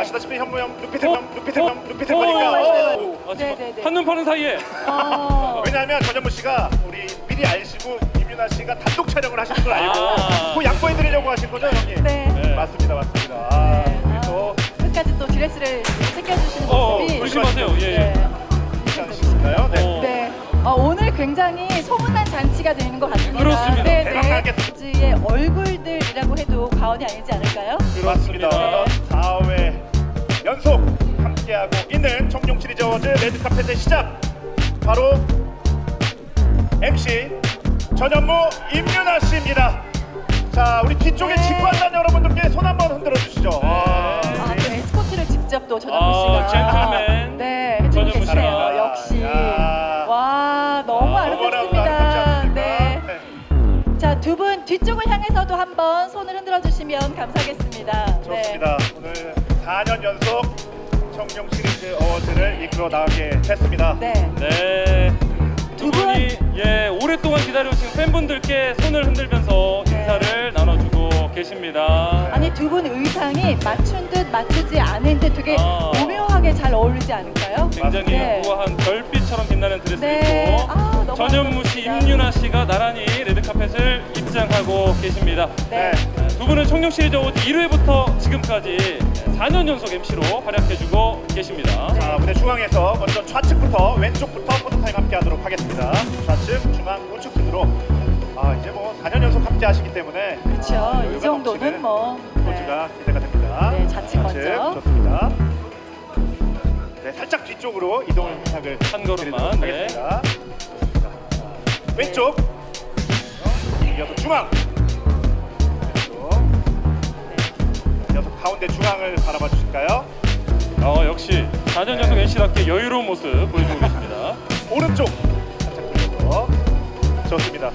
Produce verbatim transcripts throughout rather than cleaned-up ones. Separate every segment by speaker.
Speaker 1: 아시다시피 현무형 루피템
Speaker 2: 어?
Speaker 1: 루피템
Speaker 2: 어?
Speaker 1: 루피템
Speaker 2: 어?
Speaker 1: 거니까.
Speaker 3: 맞아요.
Speaker 2: 아, 지금
Speaker 3: 네네네.
Speaker 2: 한눈 파는 사이에
Speaker 3: 어.
Speaker 1: 왜냐하면 전현무 씨가 우리 미리 알시고 임윤아 씨가 단독 촬영을 하시는 걸 알고
Speaker 2: 아.
Speaker 1: 그 양보해드리려고 하신 거죠, 형님?
Speaker 3: 네.
Speaker 2: 네.
Speaker 1: 맞습니다, 맞습니다. 아,
Speaker 3: 네.
Speaker 1: 우리
Speaker 3: 아,
Speaker 1: 또
Speaker 3: 끝까지 또 드레스를 챙겨주시는
Speaker 2: 어,
Speaker 3: 모습이.
Speaker 2: 조심하세요. 예, 예.
Speaker 3: 네.
Speaker 1: 괜찮으신가요? 네.
Speaker 2: 어.
Speaker 3: 네. 어, 오늘 굉장히 소문난 잔치가 되는 것 같습니다.
Speaker 2: 그렇습니다.
Speaker 3: 네,
Speaker 1: 대박
Speaker 3: 네.
Speaker 1: 나겠습니다.
Speaker 3: 의 얼굴들이라고 해도 과언이 아니지 않을까요?
Speaker 1: 맞습니다.
Speaker 3: 네.
Speaker 1: 사 회 연속 함께하고 있는 청룡 시리즈 어워즈 레드카펫의 시작. 바로 엠씨 전현무 임윤아 씨입니다. 자, 우리 뒤쪽에
Speaker 3: 네.
Speaker 1: 직관단 여러분들께 손 한번 흔들어 주시죠. 아,
Speaker 3: 아, 또 에스코트를 직접 또 전현무
Speaker 2: 아,
Speaker 3: 씨가.
Speaker 2: 젠틀맨.
Speaker 3: 네, 해주고
Speaker 2: 전현무 씨가.
Speaker 3: 계시네요. 역시.
Speaker 1: 야.
Speaker 3: 와, 너무
Speaker 2: 아,
Speaker 3: 아름답습니다.
Speaker 1: 아름답지
Speaker 3: 네.
Speaker 1: 않습니까? 네.
Speaker 3: 자, 두 분 뒤쪽을 향해서도 한번 손을 흔들어 주시면 감사하겠습니다. 네.
Speaker 1: 좋습니다. 오늘 사 년 연속 청룡 시리즈 어워즈를 이끌어 나가게 됐습니다.
Speaker 3: 네.
Speaker 2: 네.
Speaker 3: 두
Speaker 2: 두 분이 예 오랫동안 기다려주신 팬분들께 손을 흔들면서
Speaker 3: 네.
Speaker 2: 인사를 나눠주고 계십니다.
Speaker 3: 아니, 두 분 의상이 맞춘 듯 맞추지 않은 듯 되게
Speaker 2: 아.
Speaker 3: 오묘하게 잘 어울리지 않을까요?
Speaker 2: 굉장히
Speaker 3: 네.
Speaker 2: 우아한 별빛처럼 빛나는 드레스
Speaker 3: 네.
Speaker 2: 입고
Speaker 3: 아, 너무
Speaker 2: 전현무 씨,
Speaker 3: 아름답습니다.
Speaker 2: 임윤아 씨가 나란히 레드카펫을 입장하고 계십니다.
Speaker 3: 네.
Speaker 1: 네.
Speaker 2: 두 분은 청룡 시리즈 어워즈 일 회부터 지금까지 사 년 연속 엠씨로 활약해주고 계십니다.
Speaker 1: 자, 무대 중앙에서 먼저 좌측부터 왼쪽부터 포토타임 함께하도록 하겠습니다. 좌측, 중앙, 우측 순으로. 아, 이제 뭐 사 년 연속 함께하시기 때문에
Speaker 3: 그렇죠.
Speaker 1: 아,
Speaker 3: 이
Speaker 1: 여유가
Speaker 3: 정도는
Speaker 1: 넘치는
Speaker 3: 뭐.
Speaker 1: 포즈가 기대가 됩니다.
Speaker 3: 네, 좌측 먼저.
Speaker 1: 좋습니다. 네, 살짝 뒤쪽으로 이동을 부탁을
Speaker 2: 한 걸음만,
Speaker 1: 드리도록
Speaker 2: 네.
Speaker 1: 하겠습니다. 자, 왼쪽, 이어서 중앙, 왼쪽, 이어서 가운데 중앙을 바라봐 주실까요?
Speaker 2: 어, 역시 사 년 연속 엠씨답게 여유로운 모습 보여주고 계십니다.
Speaker 1: 오른쪽 살짝 돌려서 좋습니다.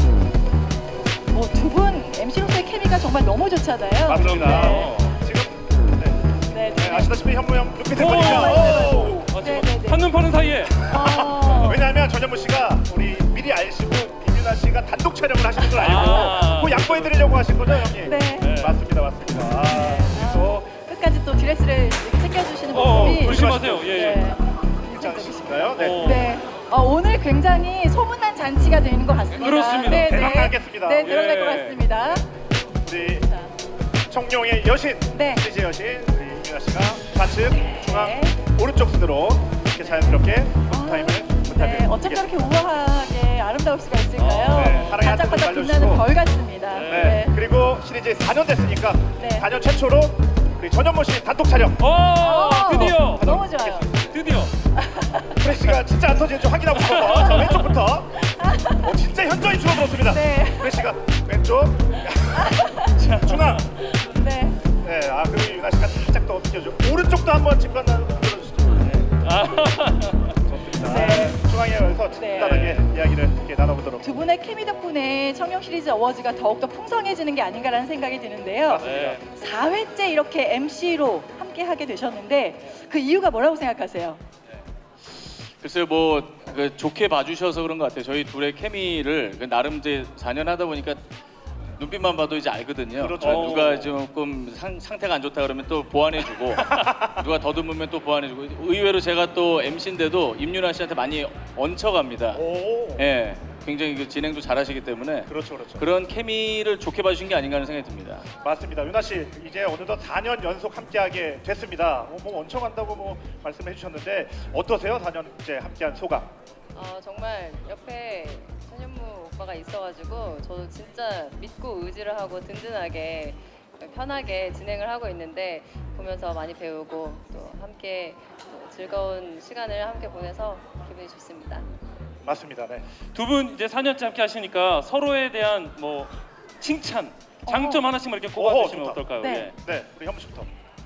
Speaker 3: 뭐 두 분 엠씨로서의 케미가 정말 너무 좋잖아요.
Speaker 1: 맞습니다.
Speaker 2: 그럼요.
Speaker 1: 지금 네,
Speaker 3: 네,
Speaker 1: 네,
Speaker 3: 네.
Speaker 1: 아시다시피 현무형 루피템
Speaker 2: 오,
Speaker 1: 거니까.
Speaker 3: 맞아요,
Speaker 1: 오!
Speaker 2: 아, 지금
Speaker 3: 네네네.
Speaker 2: 한눈 파는 사이에
Speaker 3: 어.
Speaker 1: 왜냐하면 전현무 씨가 우리 미리 알시고 임윤아 씨가 단독 촬영을 하시는 걸 알고
Speaker 2: 아.
Speaker 1: 그 양보해드리려고 하신 거죠, 형님?
Speaker 3: 네.
Speaker 2: 네.
Speaker 1: 맞습니다, 맞습니다. 아,
Speaker 3: 아,
Speaker 1: 또
Speaker 3: 끝까지 또 드레스를 이렇게 챙겨주시는
Speaker 2: 어,
Speaker 3: 모습이.
Speaker 2: 조심하세요. 예, 예.
Speaker 3: 네.
Speaker 1: 괜찮으신가요? 네.
Speaker 2: 어.
Speaker 3: 네. 어, 오늘 굉장히 소문난 잔치가 되는 것 같습니다.
Speaker 2: 그렇습니다.
Speaker 3: 네,
Speaker 1: 대박
Speaker 3: 네.
Speaker 1: 나겠습니다.
Speaker 3: 네, 들어갈
Speaker 2: 예.
Speaker 3: 것 같습니다.
Speaker 1: 우리
Speaker 3: 자,
Speaker 1: 청룡의 여신,
Speaker 3: 네.
Speaker 1: 시리즈 여신 우리 임윤아 씨가 좌측, 중앙,
Speaker 3: 네.
Speaker 1: 오른쪽 순으로 이렇게 자연스럽게 포토타임을 부탁을
Speaker 3: 네, 어쩜 저렇게 우아하게 아름다울 수가 있을까요?
Speaker 2: 아,
Speaker 1: 네, 사랑의
Speaker 3: 반짝반짝
Speaker 1: 한쪽을
Speaker 3: 빛나는
Speaker 1: 날려주시고.
Speaker 3: 벌 같습니다.
Speaker 1: 네.
Speaker 3: 네.
Speaker 1: 그리고 시리즈 사 년 됐으니까
Speaker 3: 네.
Speaker 1: 사 년 최초로 우리 전현무 씨 단독 촬영.
Speaker 2: 어,
Speaker 3: 어,
Speaker 2: 드디어
Speaker 3: 너무 좋아요.
Speaker 2: 드디어
Speaker 1: 프레시가 진짜 안 터지는지 확인하고 싶어서 자, 왼쪽부터. 어, 진짜 현저히 줄어들었습니다.
Speaker 3: 네.
Speaker 1: 프레시가 왼쪽, 자, 중앙.
Speaker 3: 네.
Speaker 1: 네, 아 그리고 유나 씨가 살짝 더 어떻게죠? 오른쪽도 한번 직관단 들어주시죠. 네,
Speaker 2: 아,
Speaker 1: 좋습니다.
Speaker 3: 네.
Speaker 1: 중앙에서
Speaker 3: 네.
Speaker 1: 간단하게 이야기를 이렇게 나눠보도록.
Speaker 3: 두 분의 케미 덕분에 청룡 시리즈 어워즈가 더욱더 풍성해지는 게 아닌가라는 생각이 드는데요.
Speaker 2: 네.
Speaker 3: 사 회째 이렇게 엠씨로 함께 하게 되셨는데 그 이유가 뭐라고 생각하세요?
Speaker 4: 글쎄요, 뭐 그 좋게 봐주셔서 그런 것 같아요. 저희 둘의 케미를 그 나름 이제 사 년 하다 보니까 눈빛만 봐도 이제 알거든요.
Speaker 1: 그렇죠.
Speaker 4: 어, 누가 조금 상, 상태가 안 좋다 그러면 또 보완해주고 누가 더듬으면 또 보완해주고 의외로 제가 또 엠씨인데도 임윤아 씨한테 많이 얹혀갑니다.
Speaker 1: 오,
Speaker 4: 예, 굉장히 그 진행도 잘하시기 때문에
Speaker 1: 그렇죠, 그렇죠.
Speaker 4: 그런 케미를 좋게 봐주신 게 아닌가 하는 생각이 듭니다.
Speaker 1: 맞습니다. 유나 씨 이제 어느덧 사 년 연속 함께하게 됐습니다. 어, 뭐 얹혀간다고 뭐 말씀해 주셨는데 어떠세요? 사 년째 함께한 소감?
Speaker 5: 어, 정말 옆에 전현무 오빠가 있어가지고 저도 진짜 믿고 의지를 하고 든든하게 편하게 진행을 하고 있는데 보면서 많이 배우고 또 함께 또 즐거운 시간을 함께 보내서 기분이 좋습니다.
Speaker 1: 맞습니다. 네.
Speaker 2: 두 분 이제 사 년째 함께 하시니까 서로에 대한 뭐 칭찬, 장점 하나씩만 이렇게 꼽아주시면
Speaker 1: 어허, 좋다.
Speaker 2: 어떨까요?
Speaker 3: 네.
Speaker 2: 예.
Speaker 1: 네, 우리 현무 씨부터.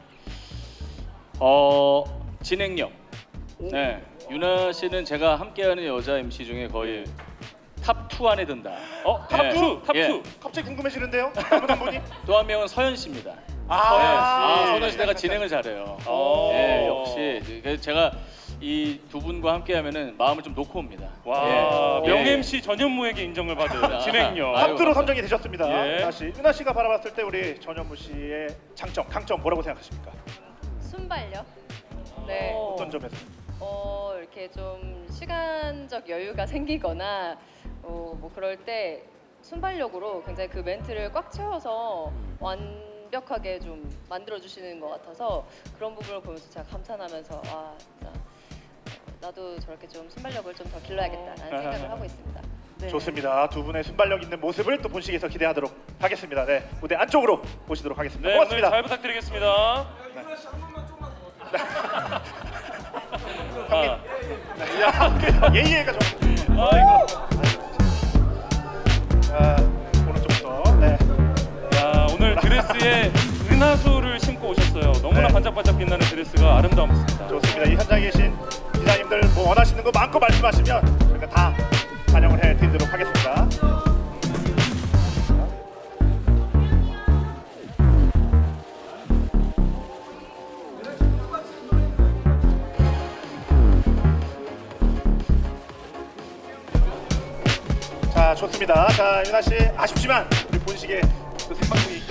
Speaker 4: 어, 진행력.
Speaker 1: 오.
Speaker 4: 네, 유나 씨는 제가 함께하는 여자 엠씨 중에 거의 탑 투 안에 든다.
Speaker 2: 어, 탑
Speaker 4: 예.
Speaker 2: 투, 탑 투.
Speaker 4: 예.
Speaker 1: 갑자기 궁금해지는데요? 다른 한 분이?
Speaker 4: 또 한 명은 서현 씨입니다.
Speaker 1: 아,
Speaker 4: 서현 씨.
Speaker 2: 씨.
Speaker 4: 아, 서현 씨 내가 진행을 잘해요.
Speaker 2: 어.
Speaker 4: 예, 역시 그래서 제가 이 두 분과 함께하면은 마음을 좀 놓고 옵니다.
Speaker 2: 와,
Speaker 4: 예.
Speaker 2: 명
Speaker 4: 예.
Speaker 2: 엠씨 전현무에게 인정을 받은 진행력.
Speaker 4: 아유,
Speaker 1: 탑두로 선정이 되셨습니다.
Speaker 2: 예.
Speaker 1: 유나 씨, 유나 씨가 바라봤을 때 우리 전현무 씨의 장점, 강점 뭐라고 생각하십니까?
Speaker 5: 순발력. 네.
Speaker 3: 어.
Speaker 1: 어떤 점에서?
Speaker 5: 어 이렇게 좀 시간적 여유가 생기거나 어, 뭐 그럴 때 순발력으로 굉장히 그 멘트를 꽉 채워서 완벽하게 좀 만들어 주시는 것 같아서 그런 부분을 보면서 제가 감탄하면서 와 진짜 나도 저렇게 좀 순발력을 좀 더 길러야겠다라는 생각을 하고 있습니다.
Speaker 3: 네.
Speaker 1: 좋습니다. 두 분의 순발력 있는 모습을 또 본식에서 기대하도록 하겠습니다. 네, 무대 안쪽으로 모시도록 하겠습니다.
Speaker 2: 네, 오늘
Speaker 1: 고맙습니다.
Speaker 2: 잘 부탁드리겠습니다. 아,
Speaker 1: 야, 예의가 좀.
Speaker 2: 아이고.
Speaker 1: 자, 오른쪽부터. 네.
Speaker 2: 야, 오늘 드레스에 은하수를 신고 오셨어요. 너무나
Speaker 1: 네.
Speaker 2: 반짝반짝 빛나는 드레스가 아름다웠습니다.
Speaker 1: 좋습니다. 이 현장에 계신 기자님들 뭐 원하시는 거 마음껏 말씀하시면 저희가 다 반영을 해드리도록 하겠습니다. 자, 좋습니다. 자, 윤아 씨 아쉽지만 우리 본식에 또 생방송이